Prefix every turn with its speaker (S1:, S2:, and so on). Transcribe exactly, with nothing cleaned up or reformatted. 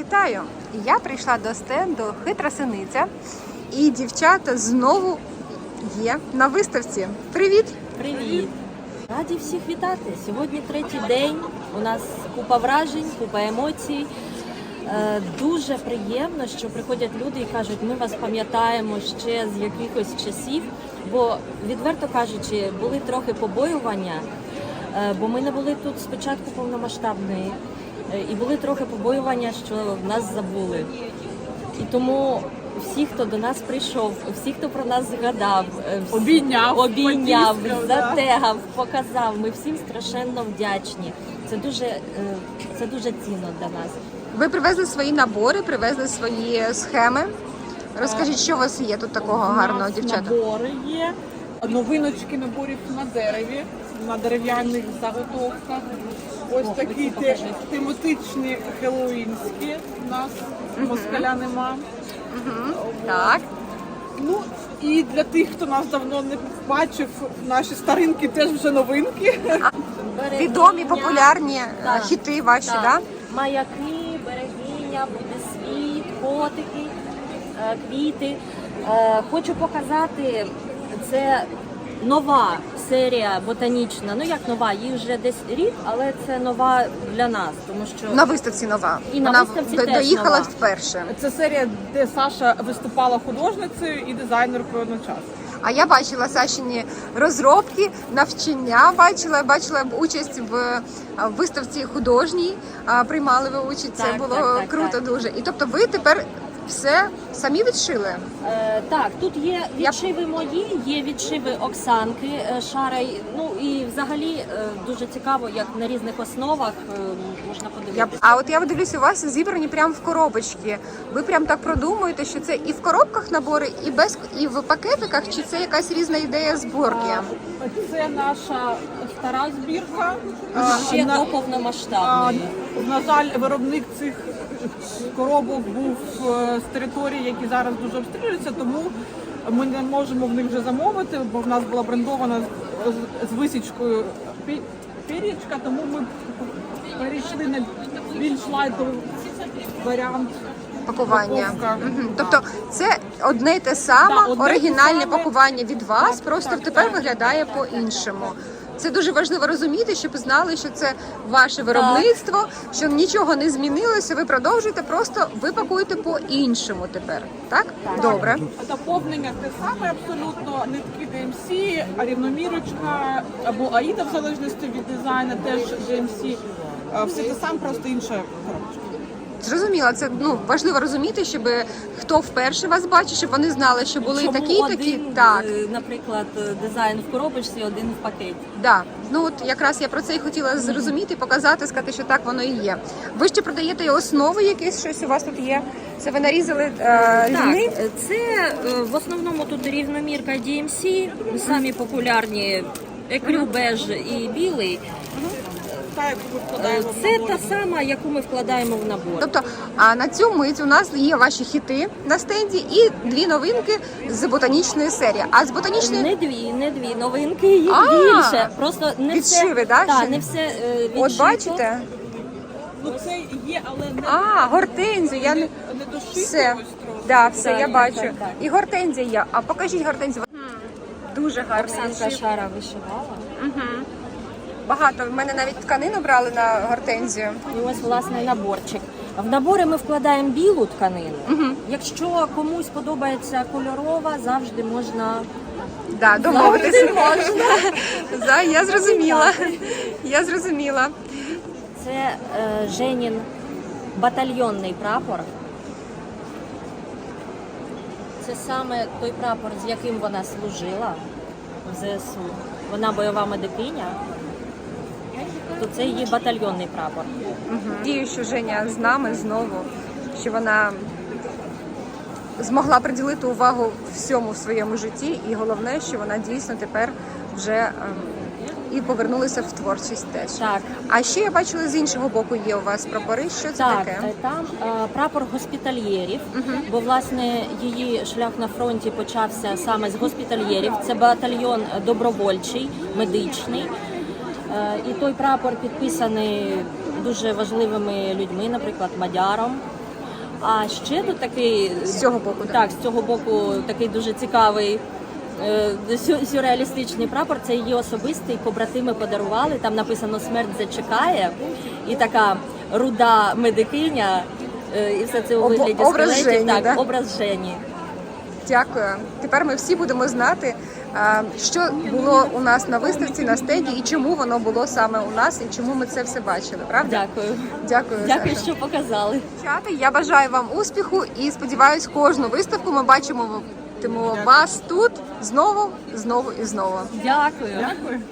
S1: Вітаю! Я прийшла до стенду «Хитра синиця» і дівчата знову є на виставці. Привіт!
S2: Привіт! Раді всіх вітати! Сьогодні третій день, у нас купа вражень, купа емоцій. Дуже приємно, що приходять люди і кажуть, ми вас пам'ятаємо ще з якихось часів, бо, відверто кажучи, були трохи побоювання, бо ми не були тут спочатку повномасштабної, і були трохи побоювання, що нас забули. І тому всі, хто до нас прийшов, всі, хто про нас згадав,
S3: обійняв,
S2: обійняв затегав, показав, ми всім страшенно вдячні. Це дуже, це дуже цінно для нас.
S1: Ви привезли свої набори, привезли свої схеми. Розкажіть, що у вас є тут такого гарного, дівчата?
S3: Набори є, новиночки наборів на дереві, на дерев'яних заготовках. Ось
S2: О,
S3: такі те, тематичні хеллоуінські у нас, москаля нема.
S1: Угу. Так.
S3: Ну і для тих, хто нас давно не бачив, наші старинки теж вже новинки.
S2: Берегиня,
S1: Відомі, популярні
S2: так,
S1: хіти ваші, так?
S2: Так? Да? Маяки, берегиня, буде світ, котики, квіти. Хочу показати, це нова серія ботанічна. Ну як нова, їй вже десь рік, але це нова для нас, тому що
S1: На виставці нова.
S2: І на
S1: Вона
S2: виставці
S1: до-
S2: теж
S1: доїхала
S2: нова.
S1: вперше.
S3: Це серія, де Саша виступала художницею і дизайнеркою одночасно.
S1: А я бачила Сашині розробки, навчання бачила, бачила участь в виставці художній, а, приймали ви участь, це
S2: Так,
S1: було
S2: так, так,
S1: круто
S2: так.
S1: дуже. І тобто ви тепер все самі відшили?
S2: Е, так, тут є відшиви мої, є відшиви Оксанки е, Шарай. Ну і взагалі е, дуже цікаво, як на різних основах е, можна
S1: Я,
S2: подивитися.
S1: а от я дивлюся, у вас зібрані прямо в коробочки. Ви прям так продумуєте, що це і в коробках набори, і без і в пакетиках, чи це якась різна ідея зборки?
S3: А, Це наша стара збірка.
S2: Ще
S3: На-
S2: до
S3: а,
S2: повномасштабної.
S3: На жаль, виробник цих коробок був е, з території, які зараз дуже обстрілюються, тому ми не можемо в них вже замовити, бо в нас була брендована з, з- з висічкою пі- пір'ячка, тому ми перейшли на більш лайтовий варіант.
S1: Пакування.
S3: Упаковка.
S1: Мгм. Тобто це одне й те саме,
S3: Да, одне й те
S1: оригінальне
S3: саме.
S1: пакування від вас,
S3: Так,
S1: просто
S3: так,
S1: тепер
S3: так.
S1: виглядає по-іншому. Це дуже важливо розуміти, щоб знали, що це ваше виробництво, що нічого не змінилося, ви продовжуєте, просто ви пакуєте по-іншому тепер. Так? Добре.
S3: Доповнення те саме абсолютно, нитки ді ем сі, рівномірочка або Аїда, в залежності від дизайну, теж ді ем сі. Е, Все те саме, просто інша коробочка.
S1: Зрозуміло, це ну важливо розуміти, щоб хто вперше вас бачить, щоб вони знали, що були
S2: Чому
S1: такі, і
S2: один,
S1: такі. Так.
S2: е, наприклад, дизайн в коробочці, один в пакеті.
S1: Да, ну от якраз я про це і хотіла зрозуміти, показати, сказати, що так воно і є. Ви ще продаєте і основи, якісь щось у вас тут є. Це ви нарізали е,
S2: Так,
S1: різни?
S2: це е, в основному тут рівномірка ді ем сі, самі популярні екрю, беж і білий.
S3: Та, яку ми
S2: Е,
S3: вкладаємо в
S2: Це
S3: набор.
S2: та сама, яку ми вкладаємо в набор.
S1: Тобто, а на цю мить у нас є ваші хіти на стенді і дві новинки з ботанічної серії. А з ботанічної
S2: Не дві, не дві новинки, їх
S1: А,
S2: більше. Просто не
S1: відшиви,
S2: все,
S1: да,
S2: Так,
S1: ще?
S2: не все е, відшито.
S1: от бачите?
S3: Ну це є, але не,
S1: А, гортензію. Я не
S3: не дошито
S1: все.
S3: ось трохи.
S1: Да, все,
S2: Так,
S1: я
S2: так,
S1: бачу.
S2: так, так.
S1: І гортензія є. А покажіть гортензію. М, Дуже гарно.
S2: Оксанка Шара вишивала.
S1: Багато. В мене навіть тканину брали на гортензію.
S2: І ось власне наборчик. В набори ми вкладаємо білу тканину. Якщо комусь подобається кольорова, завжди можна.
S1: Да, домовитися можна. За, я зрозуміла. Я зрозуміла.
S2: Це е, Женін батальйонний прапор. Це саме той прапор, з яким вона служила в зе ес у. Вона бойова медикиня. То це її батальйонний прапор.
S1: Дію, що Женя з нами знову, що вона змогла приділити увагу всьому в своєму житті, і головне, що вона дійсно тепер вже ем, і повернулася в творчість теж.
S2: Так.
S1: А ще я бачила з іншого боку є у вас прапори. Що це
S2: Так,
S1: таке?
S2: е, там е, прапор госпітальєрів, бо власне її шлях на фронті почався саме з госпітальєрів. Це батальйон добровольчий, медичний. Е, І той прапор підписаний дуже важливими людьми, наприклад, Мадяром. А ще тут такий
S1: З цього боку, так.
S2: так, з цього боку такий дуже цікавий е, сю- сюрреалістичний прапор. Це її особистий, побратими подарували. Там написано «Смерть зачекає», і така руда медикиня, е, і все це у
S1: Об-
S2: вигляді
S1: образ
S2: скелетів.
S1: Жені,
S2: Так,
S1: да?
S2: образ Жені.
S1: Дякую. Тепер ми всі будемо знати, а, що було у нас на виставці, на стенді, і чому воно було саме у нас, і чому ми це все бачили. Правда?
S2: Дякую.
S1: Дякую.
S2: Дякую,
S1: Саша.
S2: що показали.
S1: Дівчата, я бажаю вам успіху і сподіваюсь, кожну виставку ми бачимо вас тут знову, знову і знову.
S2: Дякую.
S3: Дякую.